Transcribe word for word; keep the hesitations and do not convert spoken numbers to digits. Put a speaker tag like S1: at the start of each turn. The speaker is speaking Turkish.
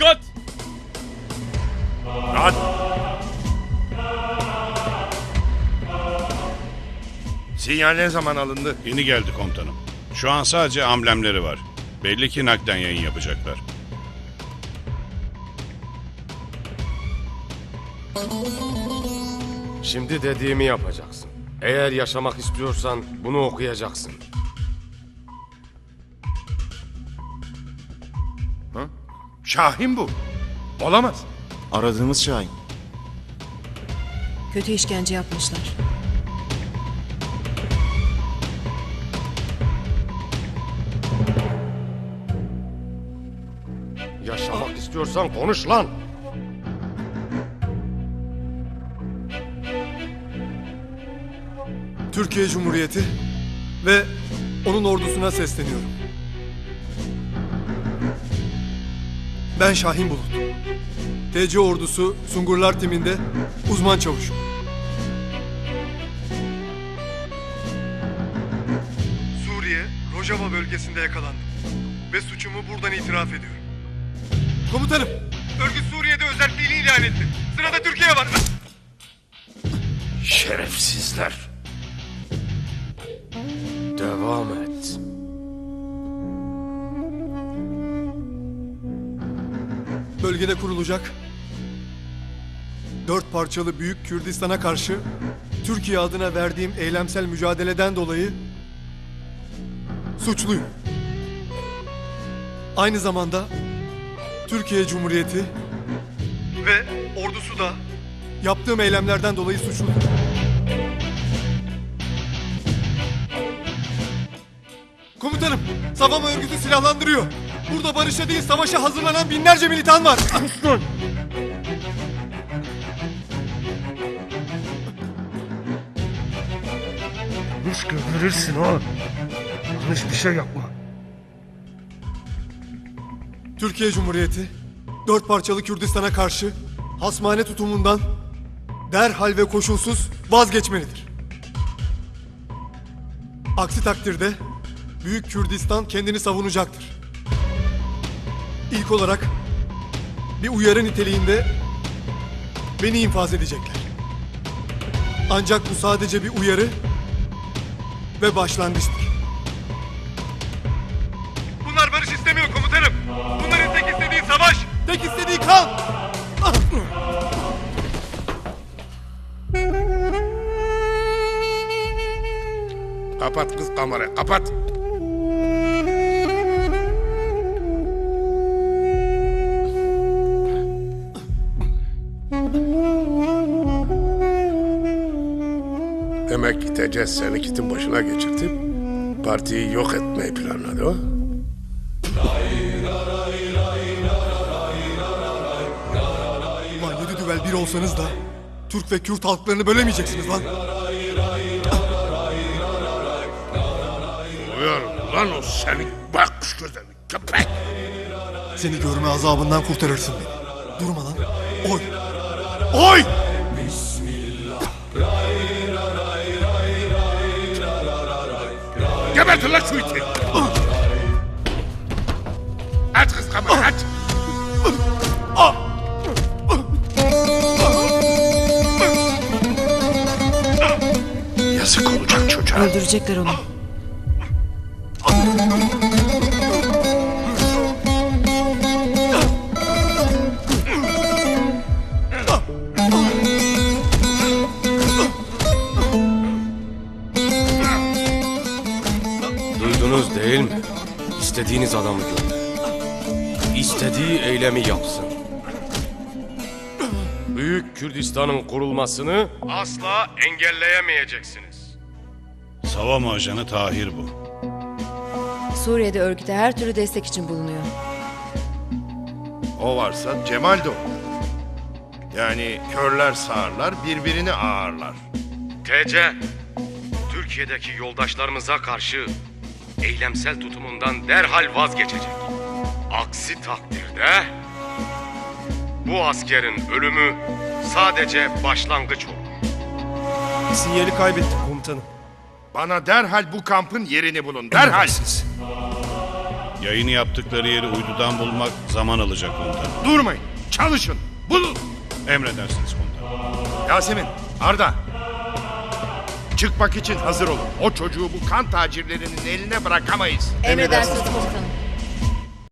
S1: Dikkat!
S2: Rahat. Sinyal ne zaman alındı?
S3: Yeni geldi komutanım. Şu an sadece amblemleri var. Belli ki nakden yayın yapacaklar.
S4: Şimdi dediğimi yapacaksın. Eğer yaşamak istiyorsan bunu okuyacaksın.
S2: Ha? Şahin bu. Olamaz.
S5: Aradığımız Şahin.
S6: Kötü işkence yapmışlar.
S4: Yaşamak istiyorsan konuş lan.
S7: Türkiye Cumhuriyeti ve onun ordusuna sesleniyorum. Ben Şahin Bulut. T C ordusu Sungurlar timinde uzman çavuşum. Suriye, Rojava bölgesinde yakalandım. Ve suçumu buradan itiraf ediyorum. Komutanım, örgüt Suriye'de özelliğini ilan etti. Sırada Türkiye var.
S2: Şerefsizler.
S4: Devam et.
S7: Bölgede kurulacak dört parçalı Büyük Kürdistan'a karşı Türkiye adına verdiğim eylemsel mücadeleden dolayı suçluyum. Aynı zamanda Türkiye Cumhuriyeti ve ordusu da yaptığım eylemlerden dolayı suçludur. Komutanım, Savama örgütü silahlandırıyor. Burada barışa değil savaşa hazırlanan binlerce militan var.
S8: Yanlış gönderirirsin ha. Yanlış bir şey yapma.
S7: Türkiye Cumhuriyeti dört parçalı Kürdistan'a karşı hasmane tutumundan derhal ve koşulsuz vazgeçmelidir. Aksi takdirde Büyük Kürdistan kendini savunacaktır. İlk olarak bir uyarı niteliğinde beni infaz edecekler. Ancak bu sadece bir uyarı ve başlangıçtır. Bunlar barış istemiyor komutanım. Bunların tek istediği savaş, tek istediği kan.
S2: Kapat kız kamerayı, kapat. Demek ki T C seni kitin başına geçirtip partiyi yok etmeyi planladı o.
S7: Ulan yedi düvel bir olsanız da Türk ve Kürt halklarını bölemeyeceksiniz lan.
S2: Duyuyorum lan o senin bakmış gözlerini köpek.
S7: Seni görme azabından kurtarırsın beni. Durma lan. Oy. Oy!
S2: Gebertin lan şu iti. Aç kız kamerayı aç. Yazık olacak çocuğa.
S6: Öldürecekler onu.
S4: Duydunuz değil mi? İstediğiniz adamı gönder. İstediği eylemi yapsın. Büyük Kürdistan'ın kurulmasını asla engelleyemeyeceksiniz.
S3: Savama ajanı Tahir bu.
S6: Suriye'de örgüte her türlü destek için bulunuyor.
S2: O varsa Cemal de olur. Yani körler sağırlar, birbirini ağırlar.
S4: T C, Türkiye'deki yoldaşlarımıza karşı eylemsel tutumundan derhal vazgeçecek. Aksi takdirde bu askerin ölümü sadece başlangıç olur.
S8: Sinyali kaybettim komutanım.
S2: Bana derhal bu kampın yerini bulun, derhal.
S3: Yayını yaptıkları yeri uydudan bulmak zaman alacak komutanım.
S2: Durmayın. Çalışın. Bulun.
S3: Emredersiniz komutanım.
S2: Yasemin, Arda. Çıkmak için hazır olun. O çocuğu bu kan tacirlerinin eline bırakamayız.
S6: Emredersiniz komutanım.